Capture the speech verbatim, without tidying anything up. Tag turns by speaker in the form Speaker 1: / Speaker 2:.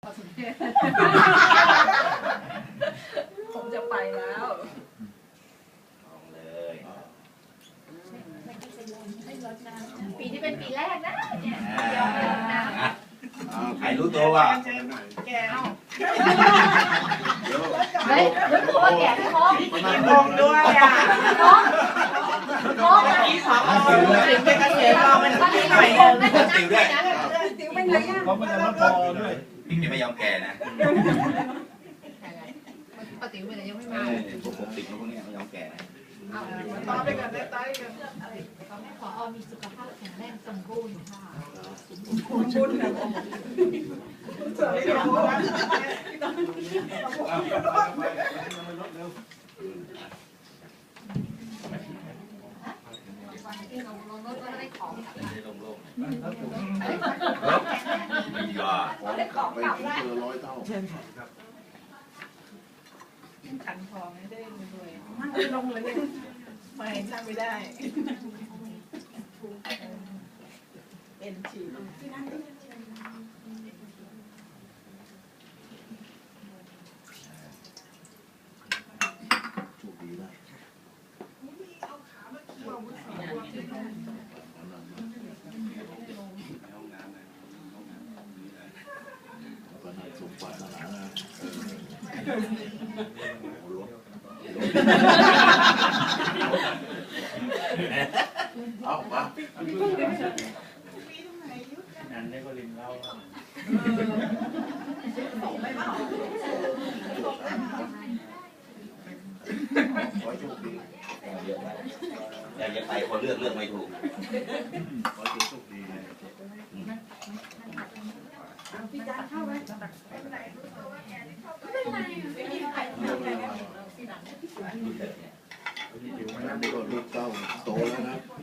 Speaker 1: อสมควรผมจะไปแล้ว
Speaker 2: ลองเลย
Speaker 1: ปีที่เป็นปีแรกนะเนี่ยยอมไปลงน้ำ
Speaker 2: ใครรู้ตัวว่า
Speaker 1: แกเอาเฮ้ยรู้ตัวว่าแกไม่ท้อง
Speaker 3: มีมองด้วยอ่ะ
Speaker 1: ท้องท้อง
Speaker 3: ที่สองถึงเป็นเกษตรเรามันที่หน่อยนึง
Speaker 2: ติวด้วย
Speaker 1: ติวเป็นไงอ่ะ
Speaker 4: เขาไม่ได้มาพอด้วย
Speaker 2: พี่จะไม่ยอมแก่นะ
Speaker 1: ปฏิวัติยังไม่มา
Speaker 2: พวกผมติดพวกนี้ไม่ยอมแก่นะ
Speaker 3: ต่อไปกันได้ต่อกัน
Speaker 1: ขอมีสุขภาพแข็งแรงสมบูรณ์ค่ะ
Speaker 3: สมบูรณ์นะสวยจัง
Speaker 1: ได้ของ
Speaker 2: ได้ลงโลกดีกว่า
Speaker 1: ได้ของกลับได้
Speaker 4: ร้อยเท่า
Speaker 3: ขันทองไม่ได้เลยมันลงเลยไม่ทำไม่ได้เป็นชี
Speaker 4: ถูกดีนะก็น่าสมบัตินะนะเอามา
Speaker 5: นั่นได้ก็ลินเล่า
Speaker 4: ขอโชคดี
Speaker 2: อยากจะไปคนเลือกเลือกไม่ถูก
Speaker 4: ขอโชคดี
Speaker 1: พี่จานเข้าไหม
Speaker 4: นี่ก็ลูกเต้าโตแล้วนะ